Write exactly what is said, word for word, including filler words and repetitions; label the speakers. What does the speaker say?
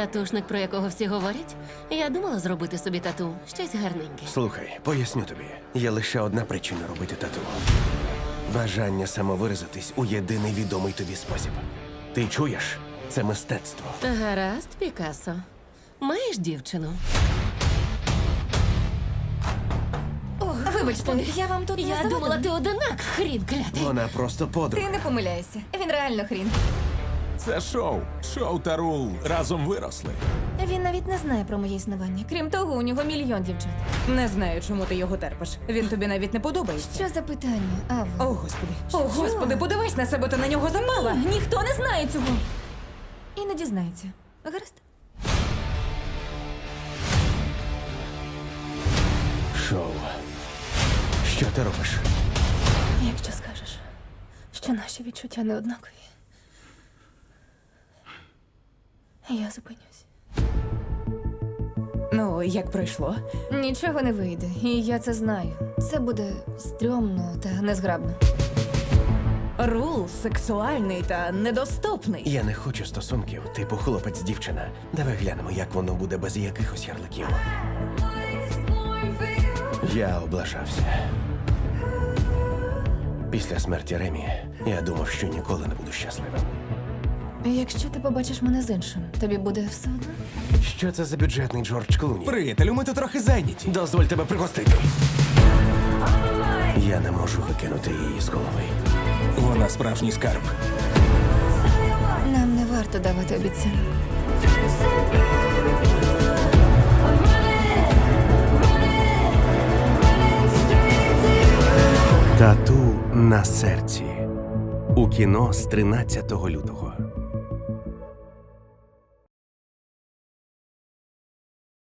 Speaker 1: Татушник, про якого всі говорять? Я думала зробити собі тату. Щось гарненьке.
Speaker 2: Слухай, поясню тобі. Є лише одна причина робити тату. Бажання самовиразитись у єдиний відомий тобі спосіб. Ти чуєш? Це мистецтво.
Speaker 1: Гаразд, Пікассо. Маєш дівчину?
Speaker 3: Вибачте, я вам тут не
Speaker 1: Я
Speaker 3: завадила?
Speaker 1: думала, ти одинак, хрін клятий.
Speaker 2: Вона просто подруга.
Speaker 3: Ти не помиляєшся. Він реально хрін.
Speaker 4: Це шоу. Шоу та Рул разом виросли.
Speaker 3: Він навіть не знає про моє існування. Крім того, у нього мільйон дівчат.
Speaker 5: Не знаю, чому ти його терпиш. Він тобі навіть не подобається.
Speaker 3: Що за питання,
Speaker 5: О,
Speaker 3: Ава?
Speaker 5: господи. О, господи, подивись на себе, ти на нього запала.
Speaker 3: Ні, ніхто не знає цього. І не дізнається. Гаразд?
Speaker 2: Шоу. Що ти робиш?
Speaker 3: Якщо скажеш, що наші відчуття не однакові, я зупинюсь.
Speaker 5: Ну, як пройшло?
Speaker 3: Нічого не вийде, і я це знаю. Це буде стрьомно та незграбно.
Speaker 5: Рул сексуальний та недоступний.
Speaker 2: Я не хочу стосунків, типу хлопець-дівчина. Давай глянемо, як воно буде без якихось ярликів. Я облажався. Після смерті Ремі я думав, що ніколи не буду щасливим.
Speaker 3: Якщо ти побачиш мене з іншим, тобі буде все одно?
Speaker 2: Що це за бюджетний Джордж Клуні?
Speaker 4: Приятелю, ми тут трохи зайняті.
Speaker 2: Дозволь тебе пригостити. Я не можу викинути її з голови.
Speaker 4: Вона справжній скарб.
Speaker 3: Нам не варто давати обіцянок.
Speaker 2: Тату на серці. У кіно з тринадцятого лютого.